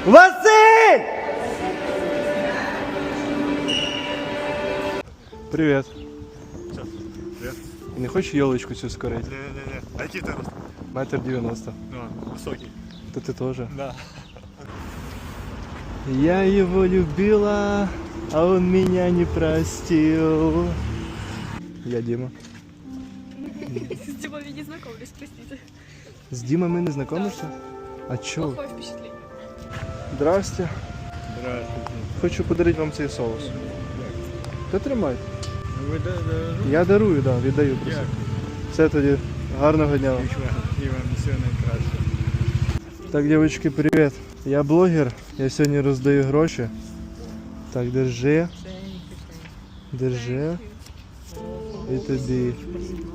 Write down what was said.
Василь! Привет. Привет. Не хочешь елочку цю скорить? Не-не-не. А який ти рост? 1,90 м. Ну, високий. То ты тоже. Да. Я его любила, а он меня не простил. Я Дима. С Димой не знакомлюсь, простите. С Димой мы не знакомишься? А чё? Плохое впечатление. Здрасте. Здравствуйте. Хочу подарити вам цей соус. Та тримайте. Ви Я дарую, да, віддаю просто. Все тоді. Гарного дня вам. І вам всього найкраще. Так, девочки, привет. Я блогер, я сьогодні роздаю гроші. Так, держи. Держи. І тобі.